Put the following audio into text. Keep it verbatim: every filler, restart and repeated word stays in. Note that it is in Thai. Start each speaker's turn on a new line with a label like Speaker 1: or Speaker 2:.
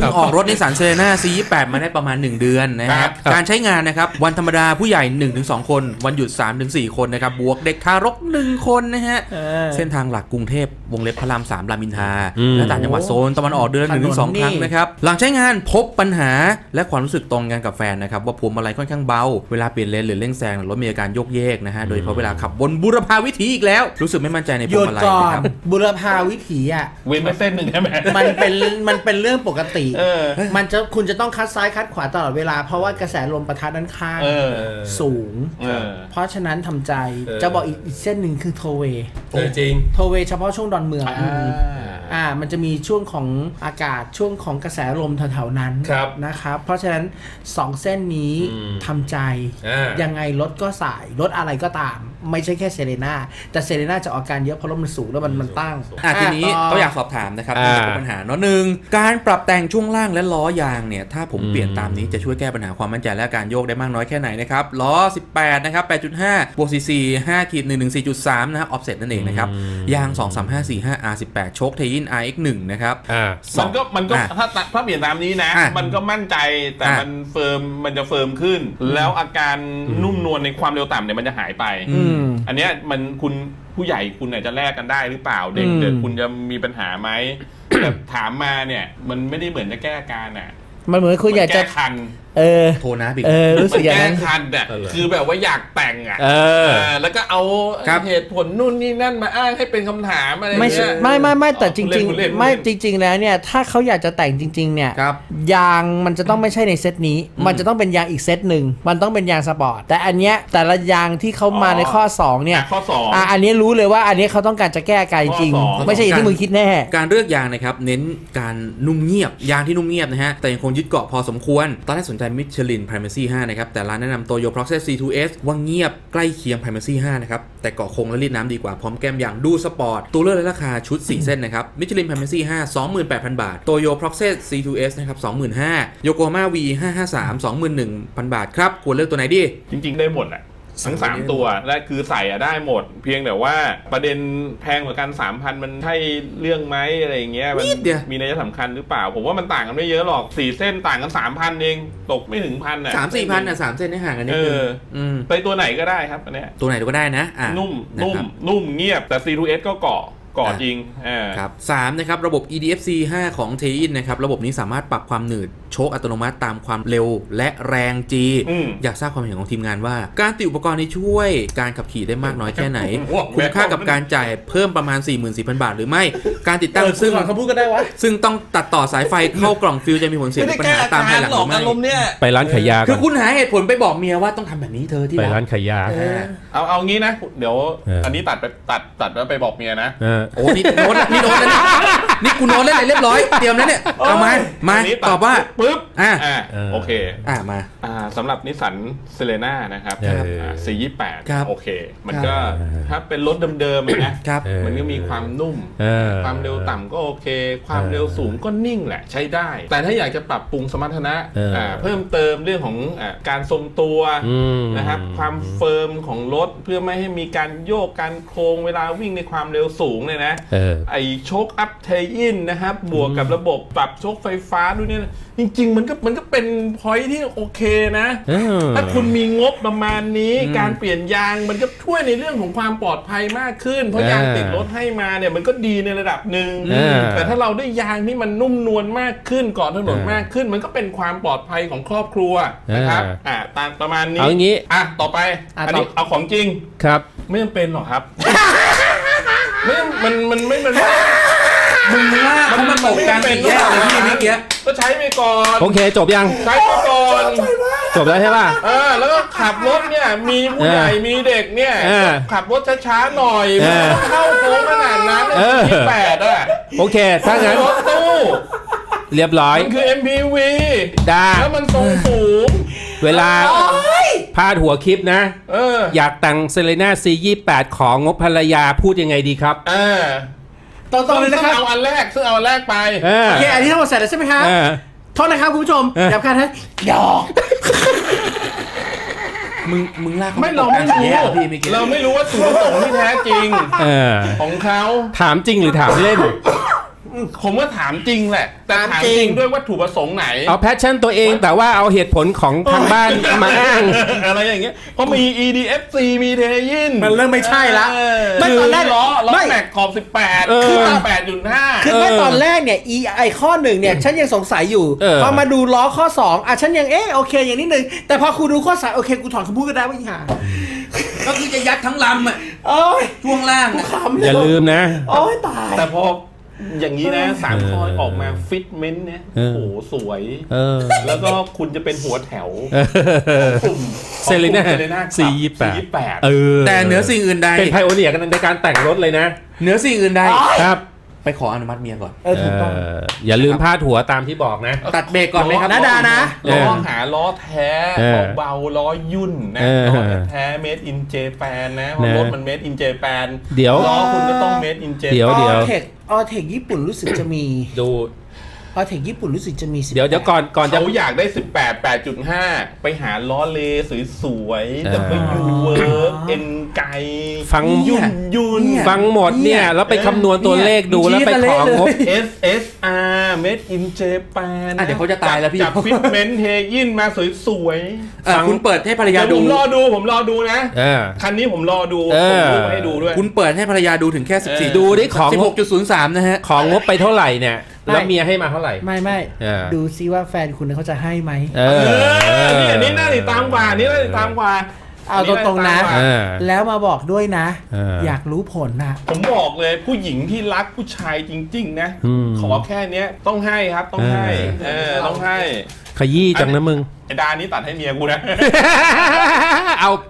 Speaker 1: ออกรถนิสสันเซเลน่า ซี ยี่สิบแปด มาได้ประมาณหนึ่งเดือนนะฮะการใช้งานนะครับวันธรรมดาผู้ใหญ่ หนึ่งถึงสอง คนวันหยุด สามถึงสี่ คนนะครับบวกเด็กทารกหนึ่งคนนะฮะเส้นทางหลักกรุงเทพวงเล็บพระรามสามรามอินทราและต่างจังหวัดโซนตะวันออกเดือน หนึ่งถึงสอง ครั้งนะครับหลังใช้งานพบปัญหาและความรู้สึกตรงกันกับแฟนนะครับว่าพวงมาลัยค่อนข้างเบาเวลาเปลี่ยนเลนหรือเร่งแซงรถมีอาการโยกเยกนะฮะโดยเฉพาะเวลาขับบนบุรพาวิถีอีกแล้วรู้สึกไม่มั่นใจในพวงมาลัยนะครับ
Speaker 2: บุรพาวิถีอ่ะ
Speaker 3: เว้นไปเส้นหนึ่งใช่ไหม
Speaker 2: มันเป็นมันเป็นเรื่องปกติมันจะคุณจะต้องคัดซ้ายคัดขวาตลอดเวลาเพราะว่ากระแสลมปะทะด้านข้างสูงเพราะฉะนั้นทำใจจะบอกอีกเส้นหนึ่งคือโทเว
Speaker 4: จริง
Speaker 2: โทเวเฉพาะช่วงดอนเมืองอ่ามันจะมีช่วงของอากาศช่วงของกระแสลมแถวๆนั้นนะครับเพราะฉะนั้นสองเส้นนี้ทำใจยังไงรถก็สายรถอะไรก็ตามไม่ใช่แค่เซเลน่าแต่เซเลน่าจะออกการเยอะเพราะรถมันสูงแล้วมันมันตั้ง
Speaker 1: อ่ะทีนี้ก็อยากสอบถามนะครับที่เป็นปัญหาเนาะหนึ่งการปรับแต่งช่วงล่างและล้อยางเนี่ยถ้าผมเปลี่ยนตามนี้จะช่วยแก้ปัญหาความมั่นใจและการโยกได้มากน้อยแค่ไหนนะครับล้อสิบแปดนะครับ แปดจุดห้า บวก ซี ซี ห้า หนึ่ง หนึ่ง สี่ จุด สาม นะฮะออฟเซ็ตนั่นเองนะครับยางสอง สาม ห้า สี่ ห้า อาร์ สิบแปด โชคเทอิน อาร์ เอ็กซ์ หนึ่ง นะครับ
Speaker 3: มันก็มันก็ถ้าถ้าเปลี่ยนตามนี้นะมันก็มั่นใจแต่มันเฟิร์มมันจะเฟิร์มขึ้นแล้วอาการนุ่มนวลในความเร็วต่ำเนี่ยมันจะหายไปอันเนี้ยมันคุณผู้ใหญ่คุณอาจจะแลกกันได้หรือเปล่าเด็กเด็กคุณจะมีปัญหาไหมแต่ถามมาเนี่ยมันไม่ได้เหมือนจะแก้อาการอ่ะ
Speaker 2: มันเหมือนคุณอยากจะ
Speaker 3: คัน
Speaker 2: เออ
Speaker 1: โทรนะบิ๊ก
Speaker 2: เออรู้สึกอย่างนั้น
Speaker 3: แก้คันอ่ะคือแบบว่าอยากแต่งอ่ะแล้วก็เอาเหตุผลนู่นนี่นั่นมาอ้างให้เป็นคำถามอะไร
Speaker 2: ไม่ไม่ไม่ไม่แต่จริงๆไม่จริงๆแล้วเนี่ยถ้าเขาอยากจะแต่งจริงๆเนี่ยยางมันจะต้องไม่ใช่ในเซตนี้มันจะต้องเป็นยางอีกเซตหนึ่งมันต้องเป็นยางสปอร์ตแต่อันเนี้ยแต่ละยางที่เขามาในข้อสองเนี่ย
Speaker 3: ข้อสอง
Speaker 2: อ่ะอันนี้รู้เลยว่าอันนี้เขาต้องการจะแก้อาการจริงไม่ใช่อย่างที่มึงคิดแน่
Speaker 1: การเลือกยางนะครับเน้นการนุ่มเงียบยางที่นุ่มเงียบนะฮะแต่ยังคงยึดเกาะพอสมควรตอนแรกสนใจมิชลิน Primacy ห้านะครับแต่ร้านแนะนำ Toyo Proxys ซี ทู เอส ว่าเงียบใกล้เคียง Primacy ห้านะครับแต่เกาะคงและรีดน้ำดีกว่าพร้อมแก้มอย่างดูสปอร์ตตัวเลือกและราคาชุดสี่เส้นนะครับ Michelin Primacy ห้า สองหมื่นแปดพัน บาท Toyo Proxys ซี ทู เอส นะครับ สองหมื่นห้าพัน Yokohama วี ห้าห้าสาม สองหมื่นหนึ่งพัน บาทครับควรเลือกตัวไหนดี
Speaker 3: จริงๆได้หมดแหละทั้งสามตัวและคือใส่อะได้หมดเพียงแต่ว่าประเด็นแพงกว่ากัน สามพัน มันใช่เรื่องไหมอะไรอย่างเงี้ยมันมีนัยสำคัญหรือเปล่าผมว่ามันต่างกันไม่เยอะหรอกสี่เส้นต่างกัน สามพัน เองตกไม่ถึงพันอ่ะ
Speaker 1: สาม สี่พันอ่ะสามเส้นได้ห่างกันนิดนึง
Speaker 3: อืมไปตัวไหนก็ได้ครับอันเนี้ย
Speaker 1: ตัวไหนก็ได้นะอ่ะ
Speaker 3: นุ่มนุ่มนุ่มเงียบแต่ ซี ทู เอส ก็เกาะก่อจริง
Speaker 1: ครับสามนะครับระบบ อี ดี เอฟ ซี ห้า ของ เทอิน นะครับระบบนี้สามารถปรับความหนืดโชคอัตโนมัติตามความเร็วและแรง G อยากทราบความเห็นของทีมงานว่าการติดอุปกรณ์นี้ช่วยการขับขี่ได้มากน้อยแค่ไหนคุ้มค่ากับการจ่ายเพิ่มประมาณ สี่หมื่นสี่พัน บาทหรือไม่การติดตั้งซึ่ง
Speaker 2: เขาพูดกันได้วะ
Speaker 1: ซึ่งต้องตัดต่อสายไฟเข้ากล่องฟิวจะมีผลเสียปัญหาตามภายหลังหรือไม่
Speaker 4: ไปร้านขายยา
Speaker 1: คือคุณหาเหตุผลไปบอกเมียว่าต้องทำแบบนี้เธอที่
Speaker 4: ไปร้านขายยา
Speaker 3: เอาเอางี้นะเดี๋ยวอันนี้ตัดไปตัดตัดแล้วไปบอกเมียนะ
Speaker 1: โอ้นี่โน้ตนี่โน้ตแล้วนี่นี่กูโน้ตเล่นอะไรเรียบร้อยเตรียมแล้วเนี่ยเอามามาตอบว่า
Speaker 3: ปึ๊บ
Speaker 1: อ่า
Speaker 3: โอเค
Speaker 1: อ่ามา
Speaker 3: อ่าสำหรับนิสสันเซเลน่านะครับ ซี ยี่สิบแปด โอเคมันก็ถ้าเป็นรถเดิมๆนะมันก็มีความนุ่มความเร็วต่ำก็โอเคความเร็วสูงก็นิ่งแหละใช้ได้แต่ถ้าอยากจะปรับปรุงสมรรถนะเพิ่มเติมเรื่องของการทรงตัวนะครับความเฟิร์มของรถเพื่อไม่ให้มีการโยกการโค้งเวลาวิ่งในความเร็วสูงเลยนะไอโชคอัพเทอินนะครับบวกกับระบบปรับโชคไฟฟ้าด้วยเนี่ยจริงๆมันก็มันก็เป็นพอยที่โอเคนะถ้าคุณมีงบประมาณนี้การเปลี่ยนยางมันก็ช่วยในเรื่องของความปลอดภัยมากขึ้นเพราะยางติดรถให้มาเนี่ยมันก็ดีในระดับหนึ่งแต่ถ้าเราได้ยางที่มันนุ่มนวลมากขึ้นเกาะถนนมากขึ้นมันก็เป็นความปลอดภัยของครอบครัวนะครับอ่าตามประมาณนี้
Speaker 4: เอางี้
Speaker 3: อ่ะต่อไปอันนี้เอาของจริง
Speaker 4: ครับ
Speaker 3: ไม่จำเป็นหรอกครับไม่มันมันไม่มัน
Speaker 1: มึงว่าเขามาตกการสี่แยกเลยพี่เมื่อกี้
Speaker 3: ก็ใช้ไปก่อน
Speaker 4: โอเคจบยัง
Speaker 3: ใช้ไปก่อน
Speaker 4: จบแล้วใช่ป่ะ
Speaker 3: เออแล้วก็ขับรถเนี่ยมีผู้ใหญ่มีเด็กเนี่ยขับรถช้าๆหน่อยไม่ต้องเข้าโค้งขนาดนั้นยี่สิบแปดอ่ะ
Speaker 4: โอเคถ้างั้น
Speaker 3: รถตู้
Speaker 4: เรียบร้อย
Speaker 3: มันคือ เอ็ม พี วี
Speaker 4: ได้
Speaker 3: แล้วมันทรงสูง
Speaker 4: เวลาพาดหัวคลิปนะ
Speaker 3: เออ
Speaker 4: อยากแต่งเซเลน่า ซี ยี่สิบแปด ของงบภรรยาพูดยังไงดีครับ
Speaker 3: เออตรงๆเลยนะครับเอาอันแรกซึ่งเอาอันแรกไป
Speaker 2: โอเคอันนี้ทั้งหมดเสร็จแล้วใช่ไหมครับโทษนะครับคุณผู้ชมอย่าพลาดนะหยอก
Speaker 1: มึงมึงลาก
Speaker 3: ไม่เราไม่รู้เราไม่รู้ว่าจุดประสงค์ที่แท้จริงของเขา
Speaker 4: ถามจริงหรือถามเล่น
Speaker 3: ผมว่าถามจริงแหละแต่ถาม
Speaker 2: ถาม
Speaker 3: จ
Speaker 2: จริ
Speaker 3: ริ
Speaker 2: ง
Speaker 3: งด้วยวัตถุประสงค์ไหน
Speaker 4: เอาแพชชั่นตัวเองแต่ว่าเอาเหตุผลของทางบ้านมาอ้าง
Speaker 3: อะไรอย่างเงี้ยเพราะมี อี ดี เอฟ ซี มีเทยิน
Speaker 2: มันเริ่มไม่ใช่ละ
Speaker 3: เออ
Speaker 2: ไม่ตอนแรก
Speaker 3: ล้อล้อ
Speaker 2: ไม่
Speaker 3: แม็กขอบสิบแปด
Speaker 4: เออ
Speaker 3: คือแปดจุดห้า
Speaker 2: คือเมื่อตอนแรกเนี่ยอีไอข้อหนึ่งเนี่ยฉันยังสงสัยอยู่
Speaker 4: เออ
Speaker 2: พอมาดูล้อข้อสองอ่ะฉันยังเอ๊ะโอเคอย่างนิดนึงแต่พอครูดูข้อสามโอเคกูถอนคำพูดก็ได้ว่าอีห่า
Speaker 1: ก็คือจะยัดทั้งลำอ่ะ
Speaker 2: โอ้ย
Speaker 1: ช่วงล่าง
Speaker 2: กู
Speaker 1: อะ
Speaker 2: ขำเล
Speaker 4: อย่าลืมนะ
Speaker 2: โอ้ยตาย
Speaker 3: แต่พออย่างนี้นะสาม
Speaker 4: เออ
Speaker 3: ข้อออกมาฟิตเมนต์เนี่ย
Speaker 4: เอ
Speaker 3: โอ้
Speaker 4: อ
Speaker 3: โหสวย
Speaker 4: เออ
Speaker 3: แล้วก็คุณจะเป็นหัวแถว
Speaker 4: เออก
Speaker 3: ลุ่ม
Speaker 4: เซเลน่า
Speaker 3: เซเลน่า
Speaker 4: สี่ยี่แปด
Speaker 3: สี่แปด
Speaker 4: เออ
Speaker 1: แต่เหนือสิ่งอื่นใด
Speaker 4: เป็นไพโอเนียกันในการแต่งรถเลยนะ
Speaker 1: เหนือสิ่งอื่นใด
Speaker 4: ครับ
Speaker 1: ไปขออนุมัติเมียก่อน
Speaker 2: เออถูกต้อง
Speaker 4: เอออย่าลืมพาดหัวตามที่บอกนะ
Speaker 1: ตัดเบรกก่อนไหมครับ
Speaker 2: นะดานะ
Speaker 3: ล้อ
Speaker 4: เออ
Speaker 3: หาล้อแท้
Speaker 4: เออ
Speaker 3: เบาๆล้อยุ่นนะ
Speaker 4: เออ
Speaker 3: ล้อแท้ made in Japan นะเพราะ
Speaker 4: นะ
Speaker 3: รถมัน made in Japan
Speaker 4: เดี๋ยว
Speaker 3: ล้อคุณก็ต้อง made in
Speaker 4: เดี๋ยว
Speaker 3: Japan
Speaker 4: เดี๋ยว
Speaker 2: ออเทคออเทคญี่ปุ่นรู้สึกจะมี
Speaker 4: ดู
Speaker 2: ออเทคญี่ปุ่นรู้สึกจะมีสิบ
Speaker 4: เดี๋ยวเดี๋ยวก่อนก่อนจะ
Speaker 3: เขาอยากได้ สิบแปด แปดจุดห้า ไปหาล้อเลสวยๆ
Speaker 4: เออ
Speaker 3: แต่ไปยูเวิร์กเอ็นไก
Speaker 4: ฟัง
Speaker 3: ยุ่นยุ่น
Speaker 4: ฟังหมดเนี่ยแล้วไปคำนวณตัวเลขดูแล้วไปของงบ
Speaker 3: เอส เอส อาร์ made in Japan
Speaker 1: อ่ะเดี๋ยวเขาจะตายแล้วพี่
Speaker 3: จับฟิตเมนต์เทยินมาสวยๆ
Speaker 1: เออคุณเปิดให้ภรรยา
Speaker 3: เดี๋ยว
Speaker 1: ดู
Speaker 3: ผมรอดูผมรอดูนะ
Speaker 4: เออ
Speaker 3: คันนี้ผมรอดู
Speaker 4: เอ
Speaker 3: ผม
Speaker 4: อ
Speaker 3: ดูให้ดูด้วย
Speaker 1: คุณเปิดให้ภรรยาดูถึงแค่สิบสี่
Speaker 4: ดูดิของ
Speaker 1: สิบหกจุดศูนย์สามนะฮะ
Speaker 4: ของงบไปเท่าไหร่เนี่ย แล้วเมียให้มาเท่าไหร่
Speaker 2: ไม่ไม่
Speaker 4: เออ
Speaker 2: ดูซิว่าแฟนคุณเขาจะให้ไหม
Speaker 4: เอ
Speaker 3: เอ
Speaker 4: อ
Speaker 3: อนี่อันนี้น่าติดตามกว่านี่น่าติดตามกว่า
Speaker 2: เอาตรงๆนะ
Speaker 3: อั
Speaker 4: เออ
Speaker 2: แล้วมาบอกด้วยนะ
Speaker 4: เออ
Speaker 2: อ
Speaker 4: อ
Speaker 2: ยากรู้ผลนะ
Speaker 3: ผมบอกเลยผู้หญิงที่รักผู้ชายจริง ๆ นะ
Speaker 4: อืม
Speaker 3: ขอแค่เนี้ยต้องให้ครับต้องให้
Speaker 4: เออ
Speaker 3: เออต้องให้
Speaker 4: ขยี้จังนะมึง
Speaker 3: ไอ้ดานี้ตัดให้เมียกูนะ
Speaker 4: เอา